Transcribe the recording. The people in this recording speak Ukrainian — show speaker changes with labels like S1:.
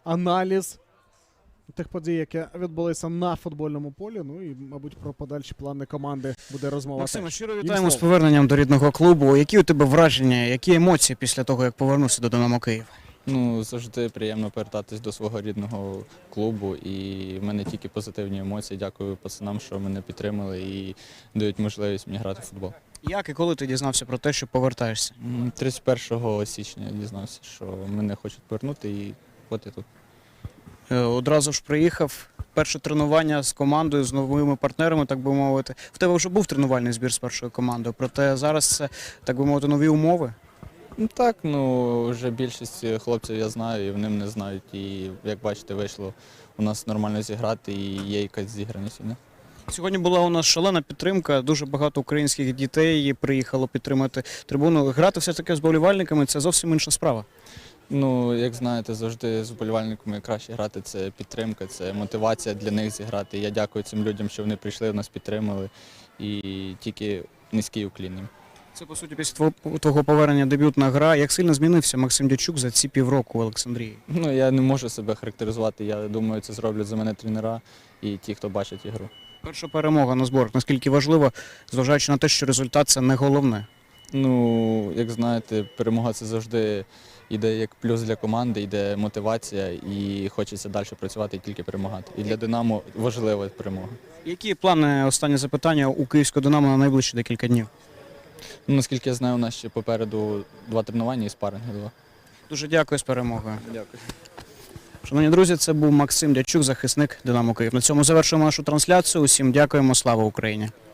S1: аналіз тих подій, які відбулися на футбольному полі. Ну і, мабуть, про подальші плани команди буде розмова.
S2: Максиме, щиро
S1: Їм
S2: вітаємо з
S1: слово.
S2: поверненням до рідного клубу. Які у тебе враження, які емоції після того, як повернувся до «Динамо Київ»?
S3: Ну, завжди приємно повертатись до свого рідного клубу, і в мене тільки позитивні емоції. Дякую пацанам, що мене підтримали і дають можливість мені грати в футбол.
S2: Як і коли ти дізнався про те, що повертаєшся?
S3: 31 січня я дізнався, що мене хочуть повернути, і от я тут.
S2: Одразу ж приїхав, перше тренування з командою, з новими партнерами, так би мовити. В тебе вже був тренувальний збір з першою командою, проте зараз це, так би мовити, нові умови.
S3: Ну так, ну вже більшість хлопців я знаю, і вони мене знають. І як бачите, вийшло у нас нормально зіграти, і є якась зіграність.
S2: Сьогодні була у нас шалена підтримка, дуже багато українських дітей приїхало підтримати трибуну. Грати все-таки з вболівальниками – це зовсім інша справа.
S3: Ну, як знаєте, завжди з вболівальниками краще грати. Це підтримка, це мотивація для них зіграти. Я дякую цим людям, що вони прийшли, нас підтримали. І тільки низький уклін їм.
S2: Це, по суті, після твого повернення дебютна гра. Як сильно змінився Максим Дячук за ці півроку в Олександрії?
S3: Ну, я не можу себе характеризувати. Я думаю, це зроблять за мене тренера і ті, хто бачить ігру.
S2: Перша перемога на зборах. Наскільки важливо, зважаючи на те, що результат – це не головне?
S3: Ну, як знаєте, перемога – це завжди йде як плюс для команди, йде мотивація і хочеться далі працювати і тільки перемагати. І для «Динамо» важлива перемога.
S2: Які плани, останнє запитання, у київського «Динамо» на найближчі декілька днів?
S3: Ну, наскільки я знаю, у нас ще попереду 2 тренування і спаринги 2.
S2: Дуже дякую, з перемогою.
S3: Дякую.
S2: Шановні друзі, це був Максим Дячук, захисник «Динамо Київ». На цьому завершуємо нашу трансляцію. Усім дякуємо. Слава Україні!